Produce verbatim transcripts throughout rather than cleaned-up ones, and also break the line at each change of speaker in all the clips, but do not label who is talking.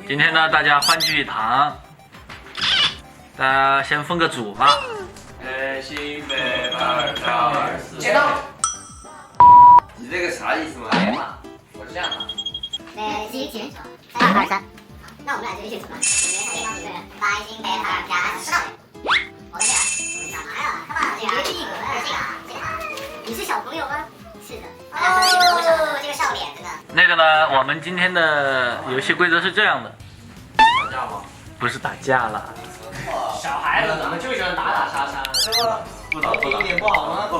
今天呢，大家欢聚一堂，大家先分个组吧。
呃，新北二三二四，
剪刀。
你这个啥意思嘛？
哎呀妈，我是这样的。
北西秦二二三，那我们俩就一起组吧。你们一个人，来新北二加十道。我的天，干嘛呀？干嘛？这个一格的这个啊，这个啊，你是小朋友吗？是的。哦，这个笑脸真的。
那个呢，我们今天的游戏规则是这样的，
打架吗？
不是打架啦，
小孩子怎么就喜欢打打杀杀？是吧？
不打不打，
一点不好吗？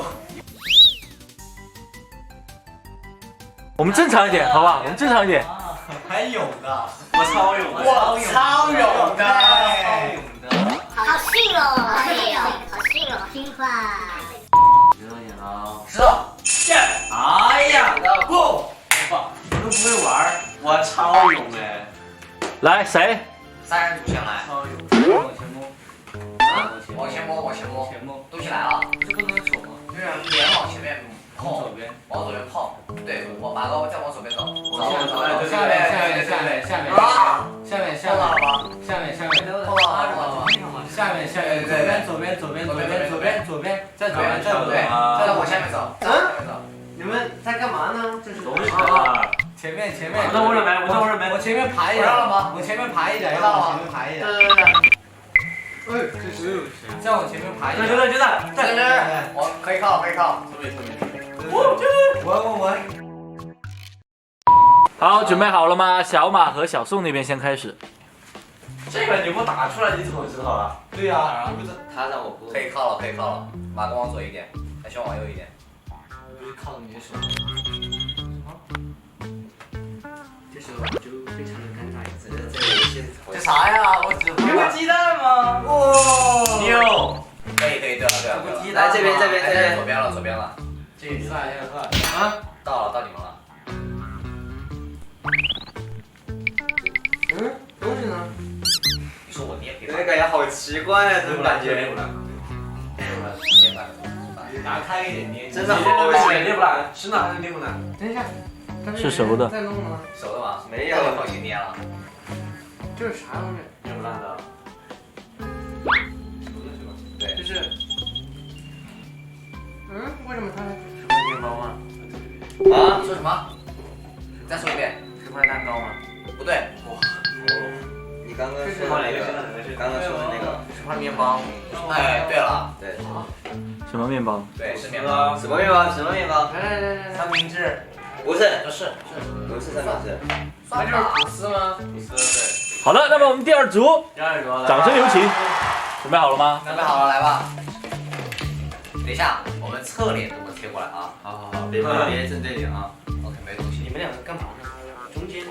我们正常一点，好不好？我们正常一点。
还勇的，
我超勇的，
我超勇的，
超勇的。
好逊哦！哎呀，好逊哦，好听话。
石头剪刀，
石头剑。
哎呀，
不，
我都不会玩，我超勇哎！
来，谁？
三人组先来。
超勇，往前摸，
啊，往前摸，往前摸，
前摸，
都起来了。
这不能手吗？
对啊，脸往前面碰，
左边，
往左边碰。对，我马哥再往左边走，
往下走，对对
下面下面下面下面下面下
碰到了
面
吗？
下面下面
碰到了，碰到了吗？
下面下面左边左边左边左边左边左边再左边再左
对，
边，
再往下面走，再往下面走。
你们在干嘛呢？这是
东西啊！
前面前面，
我在我这边，我在我这边。
我前面排一点，我前面排一点，要往前面排一点。
对对对。
哎，这是再往前面排一点。
对对对，
对对对，我可以靠，可以靠。
特别特别。
我我我我。
好，准备好了吗？小马和小宋那边先开始。
这个你不打出来，你怎么知道啊？
对呀，
不是他让我不
可以靠了，可以靠了。马哥往左一点，小熊往右一点。
靠着你的手。
这时候就非常的尴尬，这个这个游戏
这啥呀？我只
有个鸡蛋吗？
哇！
牛！
可以可以，对了对了对了。
来这边这边这边
左边了左边了。
这一算一算啊！
到了到你们了。
嗯，东西呢？
你说我捏可以
那感觉好奇怪啊，这种感觉。
捏不烂。捏不烂。
你拿开一点捏。
真的好奇怪，捏不烂，是哪还是捏不烂？
等一下，
是熟的
在弄吗？
熟的吗？
没有
我已经捏了。
这是啥东西？
捏不烂的。
对，
就是，嗯，为什么它？
是块面包吗？
啊？说什么？再说一遍。
是块蛋糕吗？
不对。
哇！你刚刚说哪个？刚刚说的那个是块面包。
哎，对了，
对。
什么面包？
对，是面包。
什么面包？什么面包？
来来来来，
三明治。
不是，
不是，
不是三明治。
那就是吐司吗？
不是，对。
好的，那么我们第二组，
第二个，
掌声有请。准备好了吗？
准备好了，来吧。等一下，我们侧脸给我贴过来啊。
好好好，别别别正对脸啊。
OK，没东西。
你们两个干嘛呢？中间。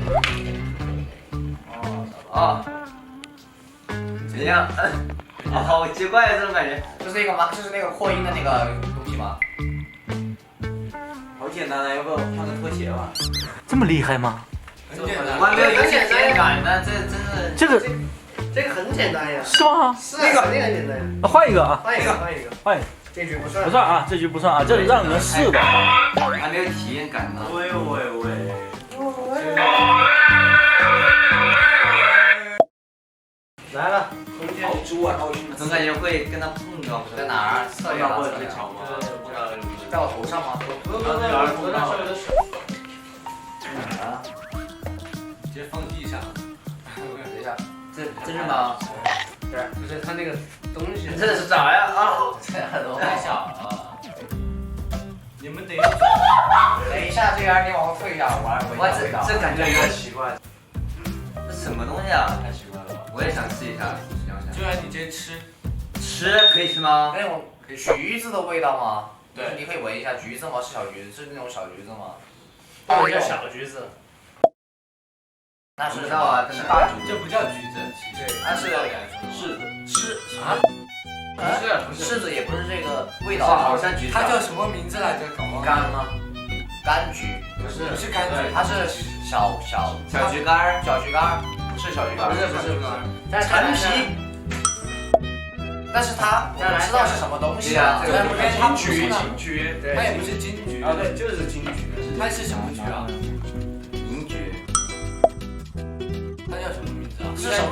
哦，
啊。怎样？啊，好奇怪这种感觉。
就是那个吗？就是那个扩音的那个东西吗？
好简单啊，要不要换个拖鞋吧？
这么厉害吗？
很简单。
我还没有有点简感呢，这真是。
这个
这个很简单呀。
是吗？
是那个那个很简单。
啊，换一个啊，
换一个，换一个。
换一个，
这局不算。
不算啊，这局不算啊，这是让你们试的啊。
还没有体验感呢。喂喂喂！
来了，中间。
好猪啊！总感觉会跟他碰到。
在哪儿？侧脸了，侧脸。在我头上吗？
不不不，我那手有的手。
哪儿啊？
直接放地上。
等一下，
这这是吗？
对，就是它那个东西。
这是啥呀？啊！
这耳朵太小了。
你们等一下。
等一下，这边你往后退一下，我来闻一
哇，这
下味道。
这感觉有点奇怪。这什么东西啊？
太奇怪了吧？
我也想试一下。
就让你直接吃。
吃可以吃吗？
那种橘子的味道吗？
对，
你可以闻一下橘子吗？是小橘子，是那种小橘子吗？
这叫小橘子。
那是
不知道啊，这是大橘子。
这不叫橘子，
对，它是
柿子。
柿啊？
不是不是，
柿子也不是这个味
是
道啊，
好像橘子。
它叫什么名字来着？搞忘了。
柑吗？
柑橘，
不是不是柑橘，
它是小小
小橘干儿。
小橘干儿，不是小橘干儿，
不是不是不是。
陈皮。但是它我不知道是什么东西啊，
这个
它不是
金
那
桔，
它也不是金桔
啊，对，就是金桔。
它是什么橘啊？
银桔。
它叫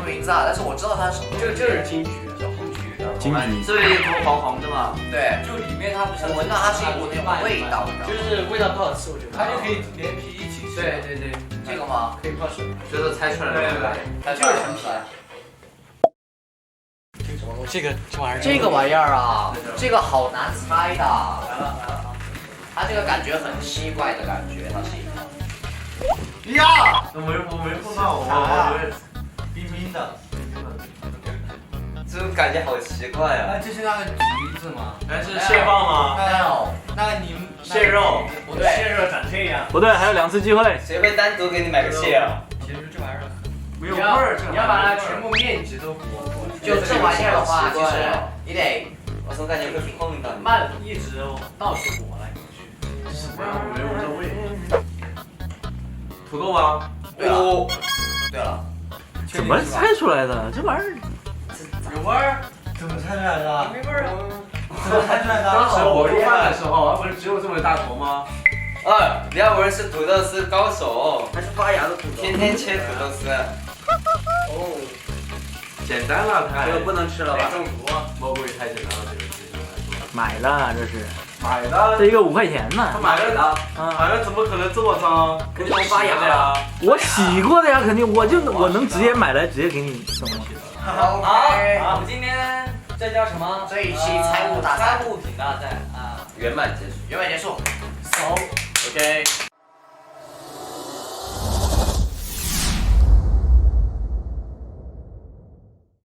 名字啊，但是我知道它是什么。
这个这是金桔，叫红桔。
金桔，
这里红红的嘛。
对，
就里面它不像
我闻到它是一股那种味道，你知道吗？
就是味道不好吃，我觉得。它就可以连皮一起吃。对对对，
这个吗？
可以泡水。
觉得猜出来了。
对对对，它就是陈皮。这个这玩意儿，
这个玩意儿啊，这个好难猜的。
来了来了，
它这个感觉很奇怪的感觉，它是一个。
呀，
我没我没碰到，我我以为冰冰的。
这种感觉好奇怪啊！
那这是那个橘子吗？
哎，是蟹棒吗？
没有，
那个柠
蟹肉，
不对，
蟹肉长这样。
不对，还有两次机会。
谁会单独给你买个蟹啊？
其实这玩意儿
没有味儿，
你要把它全部面积都裹裹住。
就这玩意儿的话，就是你得
我总感觉会碰到你。
慢一直到处裹来裹去。什么呀？
没有这味。土豆吗？
对了，对了，
怎么猜出来的？这玩意儿
有味儿？
怎么猜出来的？
没味儿啊！
怎么猜出来的？
当时我做饭的时候，不是只有这么大头吗？
二，李亚文是土豆丝高手，
还是发芽的土豆。
天天切土豆丝。
哦，简单了，太。
这个不能吃了吧？
中毒啊！不会太简单了，这个事情来说。
买的，这是
买的。
这一个五块钱呢
他。买的
啊，
买的怎么可能这么脏？
肯定发芽
呀！
我洗过的呀，肯定我就我能直接买来直接给你送过去的。
好，
我们今天这叫什么？
这一期财务大赛
财务品大赛啊，
圆满结束。
圆满结束。
So OK。